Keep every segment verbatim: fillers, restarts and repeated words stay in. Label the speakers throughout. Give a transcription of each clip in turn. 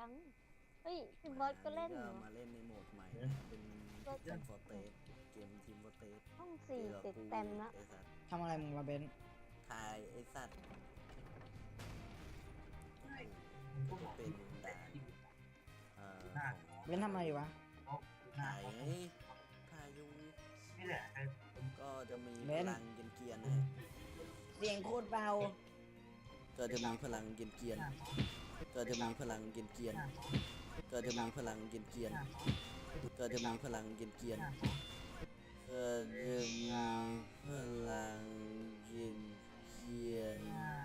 Speaker 1: จังเฮ้ยพี่บอสก็เล่นเหรอ
Speaker 2: มาเล่นในโหมดใหม่เป็นทีมฟอร์เตสเกมทีมฟอร์เตส
Speaker 1: ห้องสี่ติดเต็มนะ
Speaker 2: ไอสัตว์
Speaker 3: ทำอะไรมึงมาเบน
Speaker 2: ทายไอสัตว์เป็นด่านเอ่อของ
Speaker 3: เบนทำอะไรอยู่วะ
Speaker 2: ถ่ายไงถ่ายอยู่ก็จะมีพลังเกียนๆนะ
Speaker 3: เสียงโคตรเบา
Speaker 2: ก็จะมีพลังเกียนๆก็จะมีพลังเกียนๆก็จะมีพลังเกียนๆก็จะมีพลังเกียนๆก็จะมีพลังเกียน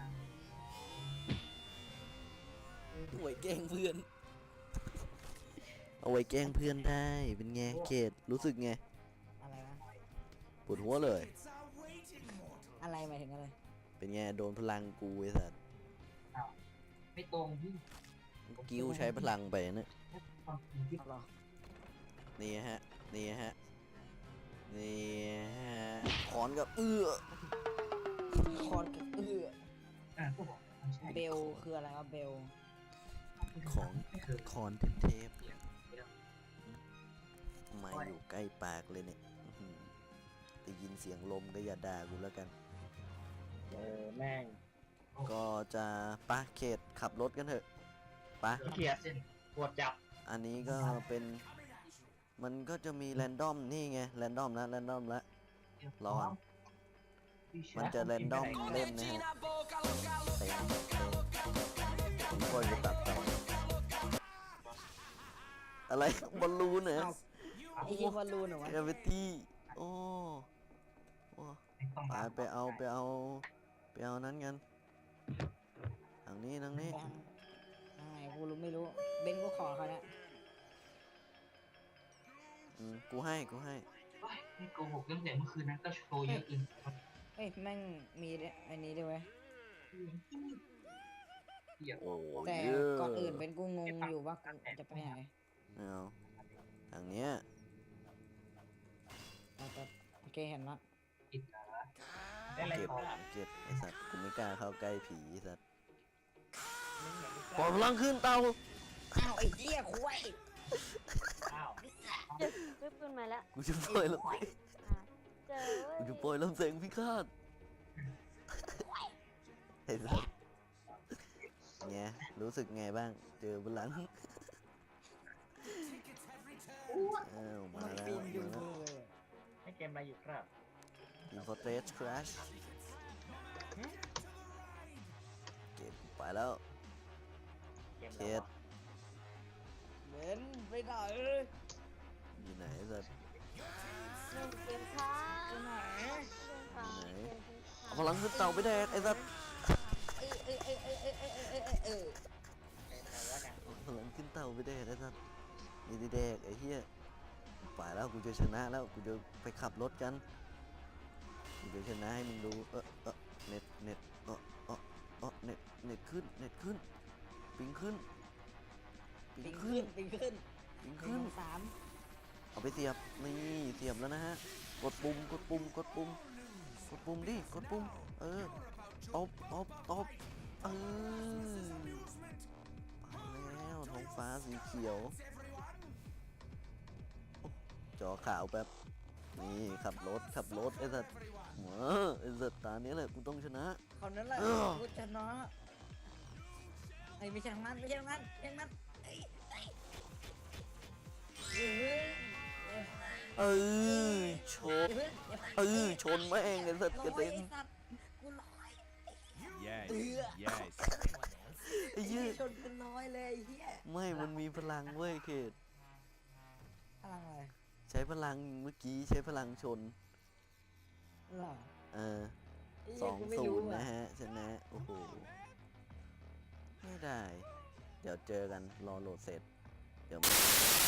Speaker 2: ๆเอาไว้แกล้งเพื่อนเอาไว้แกล้งเพื่อนได้เป็นไงเกดรู้สึกไง
Speaker 3: อะไรวะ
Speaker 2: ปวดหัวเลย
Speaker 3: อะไรหมายถึงอะไร
Speaker 2: เป็นไงโดนพลังกูไอ้สัส
Speaker 4: ไม่ตรงพี่
Speaker 2: กิ้วใช้พลังไปนะ
Speaker 4: ความจริงที่
Speaker 3: เอาหรอ
Speaker 2: นี่ฮะนี่ฮะนี่ฮะคอนกับเอื้อ
Speaker 3: คอนกับเอื้อ
Speaker 4: อ่าก็บอกมันใช่
Speaker 3: เบลคืออะไรวะเบล
Speaker 2: ของ
Speaker 4: ไม่เคย
Speaker 2: คอนเทป
Speaker 4: เสียงไม่ได้
Speaker 2: ๆมาอยู่ใกล้ปากเลยเนี่ยอื้อหือได้ยินเสียงลมก็อย่าด่ากูแล้วกัน
Speaker 4: เออแม่ง
Speaker 2: ก็จะปะเขตขับรถกันเถอะปะ
Speaker 4: เคลียร์เส้นปวดจับ
Speaker 2: อันนี้ก็เป็นมันก็จะมีแรนดอมนี่ไงแรนดอมนะแรนดอมละ ร้อน มันจะแรนดอมเล่นนะฮะเต็มผมก็จะตัดต่ออะไรบอลลูนเหรอ
Speaker 3: เอ้าไอ้ยี่บอลลูนเหรอวะ
Speaker 2: เอเวตี้โอ้โอ้
Speaker 4: ต้อง
Speaker 2: ไปไปเอาไปเอาไปเอานั้นกันทางนี้ทางนี้
Speaker 3: ไปทางทางไหนกูรู้ไม่รู้ เบนกูขอเขาเนี่ย
Speaker 2: อืมกูให้กูให้
Speaker 4: ไม่โกหกเรื่องแต่เมื่อคืนนั้นก็โชว์เยอะเกิน
Speaker 3: เอ้ยแม่งมีอันนี้ด้วยเว้ย
Speaker 4: เหี้ย
Speaker 2: โอ้
Speaker 3: แต่
Speaker 2: เยอะ
Speaker 3: ก่อนอื่นเป็นกูงงอยู่ว่ากูจะไปไหน
Speaker 2: เอาทางเนี้ย
Speaker 3: แต่แต่โอเคเห็นละ
Speaker 4: ผิดนะได้อะไร
Speaker 2: เก็บ
Speaker 4: ต่อ
Speaker 2: เก็บไอสัตว์กูไม่กล้าเข้าใกล้ผีไอ้สัตว์ปล่อยพลังขึ้นเตา
Speaker 3: อ้าวไอ้เหี้ยคุย
Speaker 4: อ้าว
Speaker 1: เจ็บปึ๊บขึ้นมาแล้ว
Speaker 2: กูจะปล่อยลม
Speaker 1: อ่ะเจอเว้ย
Speaker 2: กูจะปล่อยลำแสงพิฆาตไอ้สัตว์ไงรู้สึกไงบ้าง เจอพลังอ้าวมา
Speaker 3: มัน
Speaker 2: แล้ว
Speaker 3: ปีนอยู่
Speaker 2: มาแล้ว
Speaker 3: มือเลย
Speaker 4: ให้เกมอะไรอยู่ครับ
Speaker 2: อินฟอร์เทสคราชเก็บไปแล้ว
Speaker 4: เกม
Speaker 2: เค
Speaker 4: อะไร
Speaker 2: ส
Speaker 3: เบนไปไหน
Speaker 2: อยู่ไหนสัตว์
Speaker 1: เล่นเกมค้าง
Speaker 3: ไปไหน
Speaker 1: เล่นค้าง
Speaker 2: ไหน
Speaker 1: เกมทิ้งค้าง
Speaker 2: เอาพลังขึ้นเตาไปแดกไอ้สัตว์
Speaker 3: เอ้ยเอ้ยเอ้ยเอ้ยเอ้ยเอ้ยเอ้ยเอ้ยเอ้ย
Speaker 2: เอาพลังขึ้นเตาไปแดกไอ้สัตว์นี่ดิแดกไอ้เหี้ยไปแล้วกูจะชนะแล้วกูจะไปขับรถกันกูจะชนะให้มึงดูเออเออเน็ตเน็ตเออเออเออเน็ตเน็ตขึ้นเน็ตขึ้นปิงขึ้นปิ
Speaker 3: ปิ
Speaker 2: ง
Speaker 3: ง
Speaker 2: ขึ้
Speaker 3: ขึ้
Speaker 2: น
Speaker 3: นปิงขึ้น
Speaker 2: ปิง
Speaker 3: ปิ
Speaker 2: ขึ้
Speaker 3: ง
Speaker 2: น
Speaker 3: สาม
Speaker 2: เอาไปเสียบนี่เสียบแล้วนะฮะกดปุ่มกดปุ่มกดปุ่มกดปุ่มดิกดปุ่มเออตบตบตบเออไปแล้วท้องฟ้าสีเขียวโอ้จอขาวแป๊บนี่ขับรถขับรถไอ้สัตว์เหมอไอ้สัตว์ตาเนี้ยแหละกูต้องชนะ
Speaker 3: คนนั้นแหละ
Speaker 2: เออ
Speaker 3: กูชนะไอ้ไม่ใช่ทางนั้นไม่ใช่ทางนั้นไม่ใช่ทางนั้นไอ้ไอ้เฮ้ย
Speaker 2: เออชน
Speaker 3: อย่าเพิ่งอย่า
Speaker 2: เออชนแม่งไอ้สัตว์กระ
Speaker 3: ลอย
Speaker 2: เด็น
Speaker 3: ไอ้สัตว์กูลอย
Speaker 5: Yes,
Speaker 3: Yeah.
Speaker 5: yes.
Speaker 2: ไอ้เหี้ย
Speaker 3: ชนกูลอยเลยไอ้เฮีย
Speaker 2: ไม่มันมีพลังเว้ยเขต
Speaker 3: พลังอะไร
Speaker 2: ใช้พลังเมื่อกี้ใช้พลังชน
Speaker 3: หรอ
Speaker 2: เออ
Speaker 3: ไเหี้
Speaker 2: ส
Speaker 3: ย
Speaker 2: อง
Speaker 3: กูไม่
Speaker 2: ศู
Speaker 3: รู้
Speaker 2: นย์
Speaker 3: อ
Speaker 2: นะฮะชนะโอ้โหไม่ได้ เดี๋ยวเจอกันรอโหลดเสร็จ เดี๋ยว